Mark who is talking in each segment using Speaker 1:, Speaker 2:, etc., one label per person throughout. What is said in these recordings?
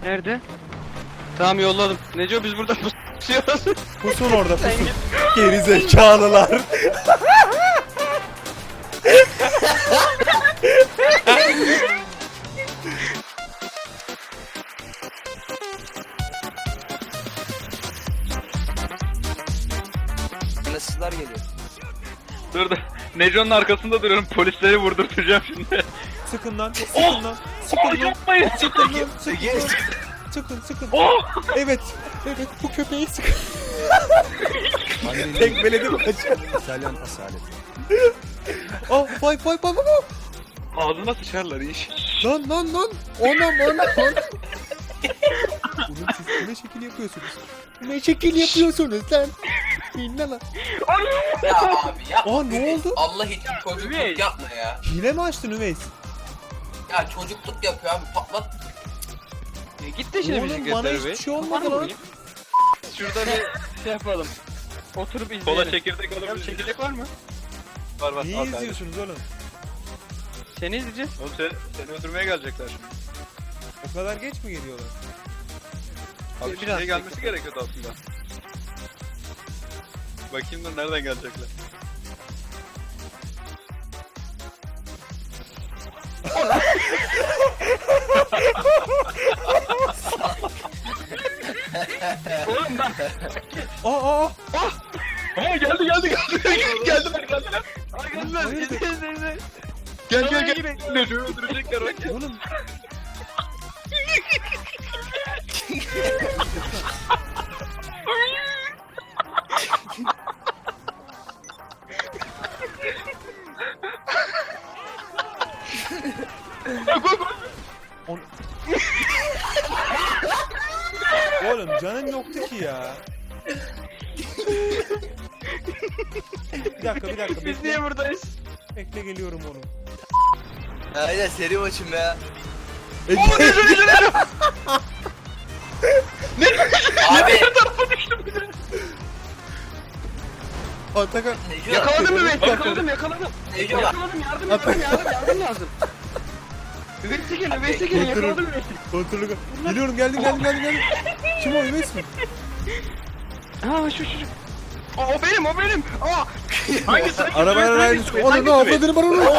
Speaker 1: Nerede? Tamam yolladım. Neco biz burada pusuyoruz.
Speaker 2: Pusun orada
Speaker 1: Sen
Speaker 2: pusun.
Speaker 1: git.
Speaker 2: Geri zekalılar.
Speaker 3: Nasıllar geliyor?
Speaker 4: Dur dur. Neco'nun arkasında duruyorum. Polisleri vurdurtacağım şimdi.
Speaker 2: Sıkın lan. Sıkın lan. Sıkın lan.
Speaker 4: Yapmayın.
Speaker 2: Sıkın lan. Sıkın lan. Sıkın sıkın. Evet. Evet bu köpeği sıkın. Tekmeledim kaçıyor.
Speaker 3: İtalyan asalet.
Speaker 2: Oh vay vay vay vay.
Speaker 4: Ağzına sıçarlar iş.
Speaker 2: Lan lan lan. Anam anam. Oğlum siz ne şekil yapıyorsunuz? Ne şekil yapıyorsunuz lan? İnne lan.
Speaker 3: Ya abi ya.
Speaker 2: Aa ne oldu?
Speaker 3: Allah için çocukluk
Speaker 1: Üveys.
Speaker 3: yapma ya.
Speaker 2: Hile mi açtın Üveys?
Speaker 3: Ya çocukluk yapıyor abi patlat.
Speaker 1: Git de şimdi
Speaker 2: Oğlum,
Speaker 1: bizi
Speaker 2: bana
Speaker 1: göster
Speaker 2: hiçbir
Speaker 1: be.
Speaker 2: şey olmadı
Speaker 1: Kafanı
Speaker 2: lan.
Speaker 1: vurayım. Şurada bir şey yapalım. Oturup izleyelim.
Speaker 4: Kola çekirdek
Speaker 1: Ya
Speaker 4: alabiliriz.
Speaker 1: çekirdek var mı?
Speaker 4: Var var.
Speaker 2: Niye
Speaker 4: al kardeşim.
Speaker 2: izliyorsunuz oğlum?
Speaker 1: Seni izleyeceğiz.
Speaker 4: Oğlum seni öldürmeye gelecekler şimdi.
Speaker 2: O kadar geç mi geliyorlar?
Speaker 4: Abi
Speaker 1: Biraz
Speaker 4: şimdiye gelmesi
Speaker 1: bekle.
Speaker 4: gerekiyordu aslında. Bakayım da nereden gelecekler.
Speaker 1: Oğlum bak.
Speaker 2: Aa!
Speaker 4: Aa geldi. Geldiler.
Speaker 1: Arkadaşlar izle.
Speaker 4: Gel. Neco'yu öldürecekler bak.
Speaker 2: Oğlum oğlum canın yoktu ki ya. Bir dakika
Speaker 1: Biz
Speaker 2: bekle.
Speaker 1: niye buradayız?
Speaker 2: Bekle geliyorum oğlum.
Speaker 3: Aynen seri maçım ya. Abi.
Speaker 2: Atakan
Speaker 3: Neco.
Speaker 1: Yakaladım mı ben? Yakaladım.
Speaker 3: Neco bak.
Speaker 1: Yardım lazım. Üveyse gelin yakaladım Üveyse.
Speaker 2: kontrolü geliyorum geldim. Kim o Üveys mi?
Speaker 1: Ha şu. O benim. Aa. Hangisi?
Speaker 2: Arabayla aynı çıkıyor. Onu ne avladığını bana onu.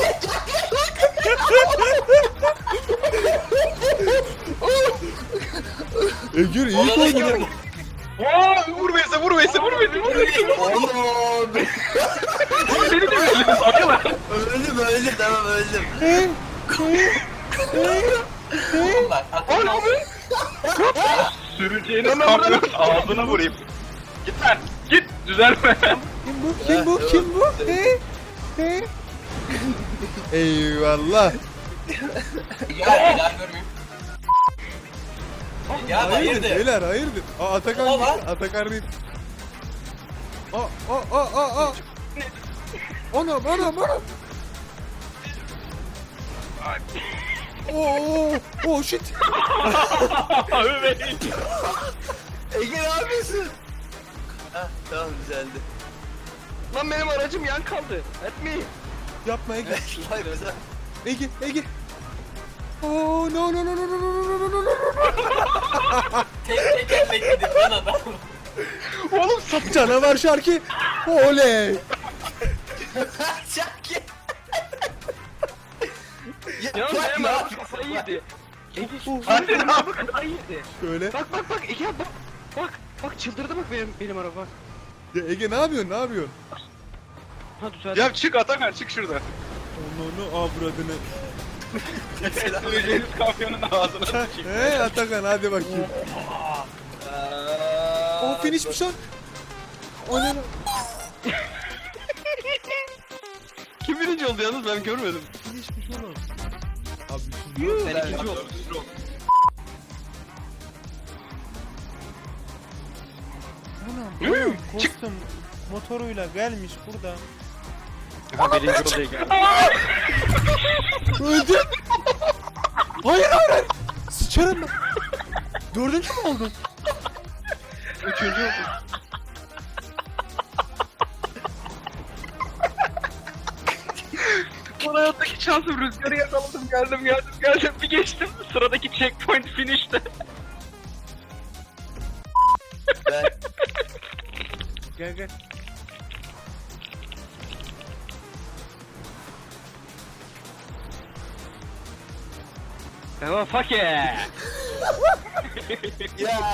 Speaker 2: Egür iyi koydun ya.
Speaker 4: Aa vur Veys'e.
Speaker 3: Oğlum.
Speaker 4: Beni de öldürdünüz akılar.
Speaker 3: Öldüm tamam öldüm. Oğlum bak.
Speaker 1: Oğlum abi.
Speaker 4: Süreceğiniz kamyon ağzına vurayım. Git lan. Git. Düzelme.
Speaker 2: Kim bu? He? Eyvallah.
Speaker 3: Ya bir daha görmeyeyim. Ya hayırdır?
Speaker 2: Beyler hayırdır? Aa Atakan
Speaker 3: Baba.
Speaker 2: değil. Atakan değil. Aa. Anam. Oo shit.
Speaker 3: Ege ne yapıyorsun? Hah tamam düzeldi.
Speaker 1: Lan benim aracım yan kaldı. Etmeyin.
Speaker 2: Yapma Ege.
Speaker 3: Vay be sen.
Speaker 2: Ege. Oh no.
Speaker 3: Tek bekledim lan adam.
Speaker 2: Oğlum canavar şarkı. Oley.
Speaker 3: Şaki.
Speaker 1: Ya benim araba kafayı yedi.
Speaker 4: Hadi ne
Speaker 1: Araba kafayı yedi.
Speaker 2: Şöyle.
Speaker 1: Bak Ege bak. Bak çıldırdı bak benim araba.
Speaker 2: Ya Ege ne yapıyorsun?
Speaker 1: Ha düzeldi.
Speaker 4: Ya çık Atakan çık şurada.
Speaker 2: Onu avradını.
Speaker 4: Süreceğiniz kamyonun ağzına sıçayım.
Speaker 2: He Atakan hadi bakayım. O finishmiş lan. O ne lan?
Speaker 1: Kim birinci oldu yalnız ben görmedim.
Speaker 2: Finishmiş oğlum. Abi şimdi
Speaker 1: Ben ikinci oldum.
Speaker 2: anam kostüm motoruyla gelmiş burada.
Speaker 1: Ha birinci oldu Ege.
Speaker 2: Öldüm. Hayır. Sıçarım ben. Dördüncü mü oldun?
Speaker 1: Üçüncü oldu.
Speaker 4: hayattaki şansım, rüzgarı yakaladım, geldim bir geçtim. Sıradaki checkpoint finish'te.
Speaker 3: Ben
Speaker 2: Gel gel.
Speaker 4: Tamam fuck yeah.
Speaker 3: ya.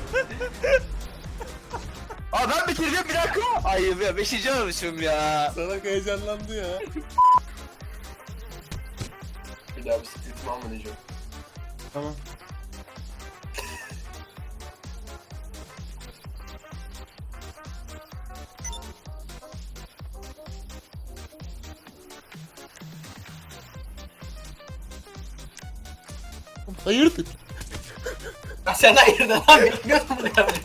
Speaker 3: Aa ben bitireceğim bir dakika. Ay ya 5. olmuşum ya.
Speaker 2: Salak heyecanlandı ya.
Speaker 3: Bir daha bisikletimi almayacağım.
Speaker 2: Tamam. Hayırdır?
Speaker 3: Ya sen hayırdır lan bilmiyordum bunu ya.